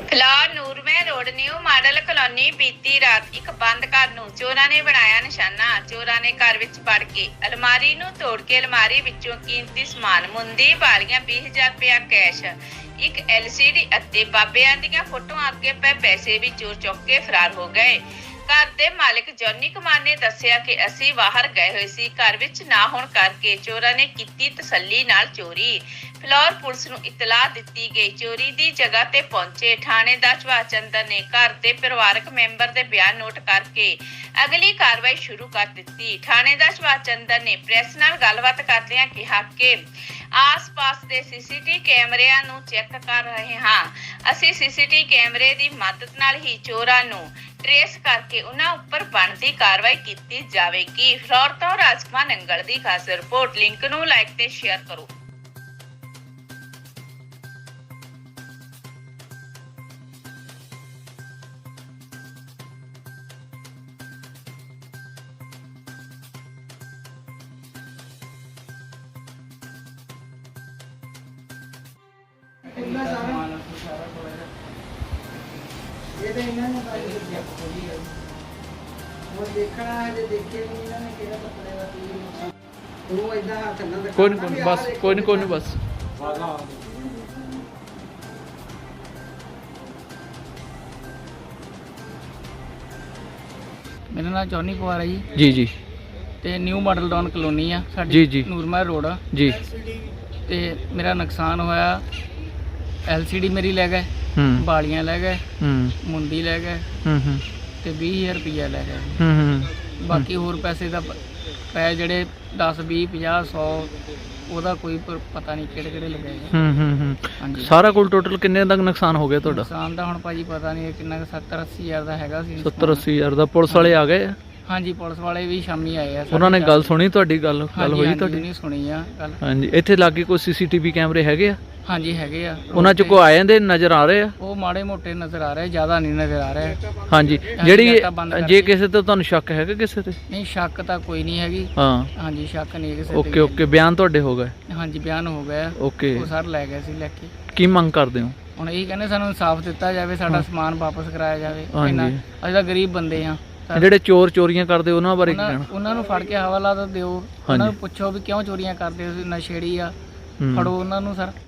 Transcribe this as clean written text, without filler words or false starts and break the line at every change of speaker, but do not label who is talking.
ਫਿਲਹਾਲ Nurmahal road new model colony ਬੀਤੀ ਰਾਤ ਇੱਕ ਬੰਦ ਘਰ ਨੂੰ ਚੋਰਾਂ ਨੇ ਬਣਾਇਆ ਨਿਸ਼ਾਨਾ। ਚੋਰਾਂ ਨੇ ਘਰ ਵਿੱਚ ਵੜ ਕੇ ਅਲਮਾਰੀ ਨੂੰ ਤੋੜ ਕੇ ਅਲਮਾਰੀ ਵਿੱਚੋਂ ਕੀਮਤੀ ਸਮਾਨ ਮੁੰਦੀ, ਵਾਲੀਆਂ, 20,000 ਰੁਪਇਆ ਕੈਸ਼, ਇੱਕ LCD ਅਤੇ ਬਾਬਿਆਂ ਦੀਆਂ ਫੋਟੋਆਂ ਅੱਗੇ ਪਏ ਪੈਸੇ ਵੀ ਚੋਰ ਚੁੱਕ ਕੇ ਫਰਾਰ ਹੋ ਗਏ। ਘਰ ਦੇ ਮਾਲਕ ਜੌਨੀ ਕੁਮਾਰ ਨੇ ਦੱਸਿਆ ਕਿ ਅਸੀਂ ਬਾਹਰ ਗਏ ਹੋਏ ਸੀ, ਘਰ ਵਿੱਚ ਨਾ ਹੋਣ ਕਰਕੇ ਚੋਰਾਂ ਨੇ ਕੀਤੀ ਤਸੱਲੀ ਨਾਲ ਚੋਰੀ। ਫਿਲੌਰ ਪੁਲਿਸ ਨੂੰ ਇਤਲਾਹ ਦਿੱਤੀ ਗਈ। ਚੋਰੀ ਦੀ ਜਗ੍ਹਾ ਤੇ ਪਹੁੰਚੇ ਥਾਣੇਦਾਰ ਸੁਭਾਸ਼ ਚੰਦਰ ਨੇ ਘਰ ਦੇ ਪਰਿਵਾਰਕ ਮੈਂਬਰ ਦੇ ਬਿਆਨ ਨੋਟ ਕਰਕੇ ਅਗਲੀ ਕਾਰਵਾਈ ਸ਼ੁਰੂ ਕਰ ਦਿੱਤੀ। ਥਾਣੇਦਾਰ ਸੁਭਾਸ਼ ਚੰਦਰ ਨੇ ਪ੍ਰੈਸ ਨਾਲ ਗੱਲਬਾਤ ਕਰਦਿਆਂ ਕਿਹਾ ਕਿ ਆਸ-ਪਾਸ ਦੇ CCTV ਕੈਮਰਿਆਂ ਨੂੰ ਚੈੱਕ ਕਰ ਰਹੇ ਹਾਂ। ਅਸੀਂ CCTV ਕੈਮਰੇ ਦੀ ਮਦਦ ਨਾਲ ਹੀ ਚੋਰਾਂ ਨੂੰ ਟ੍ਰੇਸ ਕਰਕੇ ਉਹਨਾਂ ਉੱਪਰ ਬਣਦੀ ਕਾਰਵਾਈ ਕੀਤੀ ਜਾਵੇਗੀ। ਫਿਲੌਰ ਤੋਂ ਰਾਜਕੁਮਾਰ ਨੰਗਲ ਦੀ ਖਾਸ ਰਿਪੋਰਟ। ਲਿੰਕ ਨੂੰ ਲਾਈਕ ਤੇ ਸ਼ੇਅਰ ਕਰੋ।
ਇਹ ਤਾਂ ਇਹਨਾਂ ਨੇ ਉਹ ਦੇਖਣਾ ਹੈ ਜੇ ਦੇਖੇ ਨਹੀਂ ਇਹਨਾਂ ਨੇ ਕਿਹੜਾ ਕੱਪੜੇ ਦਾ ਕੀ ਉਹ ਇਦਾਂ ਹੱਥ ਨਾਲ
ਕੋਈ ਨਹੀਂ ਬਸ ਕੋਈ ਨਹੀਂ ਬਸ
ਮੇਰਾ ਨਾਮ ਜੌਨੀ ਕੁਮਾਰ ਹੈ ਜੀ
ਜੀ ਜੀ
ਤੇ ਨਿਊ ਮਾਡਲ ਟਾਊਨ ਕਲੋਨੀ ਆ
ਜੀ,
ਸਾਡੀ
ਜੀ।
ਨੂਰਮਹਿਲ ਰੋਡ ਆ
ਜੀ
ਤੇ ਮੇਰਾ ਨੁਕਸਾਨ ਹੋਇਆ। LCD ਮੇਰੀ ਲੈ ਗਏ,
ਹੂੰ
ਬਾਲੀਆਂ ਲੈ ਗਏ,
ਹੂੰ
ਮੁੰਦੀ ਲੈ ਗਏ
ਹੂੰ
ਤੇ 20,000 ਰੁਪਈਆ ਲੈ ਗਏ।
ਹੂੰ
ਬਾਕੀ ਹੋਰ ਪੈਸੇ ਦਾ ਪੈ ਜਿਹੜੇ 10 20 50 100 ਉਹਦਾ ਕੋਈ ਪਤਾ ਨਹੀਂ ਕਿਹੜੇ ਕਿਹੜੇ ਲੱਗੇ।
ਹੂੰ
ਹਾਂਜੀ,
ਸਾਰਾ ਕੁੱਲ ਟੋਟਲ ਕਿੰਨੇ ਦਾ ਨੁਕਸਾਨ ਹੋ ਗਿਆ ਤੁਹਾਡਾ?
ਨੁਕਸਾਨ ਦਾ ਹੁਣ ਭਾਜੀ ਪਤਾ ਨਹੀਂ ਕਿੰਨਾ 70 80 ਹਜ਼ਾਰ ਦਾ ਹੈਗਾ ਸੀ।
70 80 ਹਜ਼ਾਰ ਦਾ। ਪੁਲਿਸ ਵਾਲੇ ਆ ਗਏ ਆ?
ਹਾਂਜੀ, ਪੁਲਿਸ ਵਾਲੇ ਵੀ ਸ਼ਾਮੀ ਆਏ ਆ।
ਉਹਨਾਂ ਨੇ ਗੱਲ ਸੁਣੀ ਤੁਹਾਡੀ? ਗੱਲ ਹੋਈ ਤੁਹਾਡੀ?
ਨਹੀਂ ਸੁਣੀ ਆ ਗੱਲ।
ਹਾਂਜੀ, ਇੱਥੇ ਲਾਗੇ ਕੋਈ CCTV ਕੈਮਰੇ ਹੈਗੇ ਆ?
ਹਾਂਜੀ ਹੈਗੇ ਆ।
ਉਹਨਾਂ ਚ ਕੋਈ ਆ ਜਾਂਦੇ ਨਜ਼ਰ ਆ ਰਹੇ ਆ?
ਉਹ ਮਾੜੇ ਮੋਟੇ ਨਜ਼ਰ ਆ ਰਹੇ, ਜ਼ਿਆਦਾ ਨਹੀਂ ਨਜ਼ਰ ਆ ਰਹੇ।
ਹਾਂਜੀ, ਜਿਹੜੀ ਜੇ ਕਿਸੇ ਤੇ ਤੁਹਾਨੂੰ ਸ਼ੱਕ ਹੈਗਾ ਕਿਸੇ ਤੇ?
ਨਹੀਂ, ਸ਼ੱਕ ਤਾਂ ਕੋਈ ਨਹੀਂ ਹੈਗੀ।
ਹਾਂ,
ਹਾਂਜੀ, ਸ਼ੱਕ ਨਹੀਂ ਕਿਸੇ ਤੇ।
ਓਕੇ ਓਕੇ, ਬਿਆਨ ਤੁਹਾਡੇ ਹੋ ਗਏ?
ਹਾਂਜੀ, ਬਿਆਨ ਹੋ ਗਿਆ।
ਓਕੇ,
ਉਹ ਸਰ ਲੈ ਗਏ ਸੀ ਲੈ ਕੇ।
ਕੀ ਮੰਗ ਕਰਦੇ ਹੋ
ਹੁਣ ਇਹੀ ਕਹਿੰਦੇ ਸਾਨੂੰ ਇਨਸਾਫ ਦਿੱਤਾ ਜਾਵੇ, ਸਾਡਾ ਸਮਾਨ ਵਾਪਸ ਕਰਾਇਆ ਜਾਵੇ।
ਹਾਂਜੀ।
ਅਸੀਂ ਤਾਂ ਗਰੀਬ ਬੰਦੇ ਆ।
ਜਿਹੜੇ ਚੋਰ ਚੋਰੀਆਂ ਕਰਦੇ ਉਹਨਾਂ ਬਾਰੇ ਕੀ ਕਹਿਣਾ?
ਉਹਨਾਂ ਨੂੰ ਫੜ ਕੇ ਹਵਾਲਾ ਤਾਂ ਦਿਓ। ਉਹਨਾਂ ਨੂੰ ਪੁੱਛੋ ਵੀ ਕਿਉਂ ਚੋਰੀਆਂ ਕਰਦੇ ਹੋ, ਨਸ਼ੇੜੀ ਆ, ਫੜੋ ਉਹਨਾਂ ਨੂੰ ਸਰ।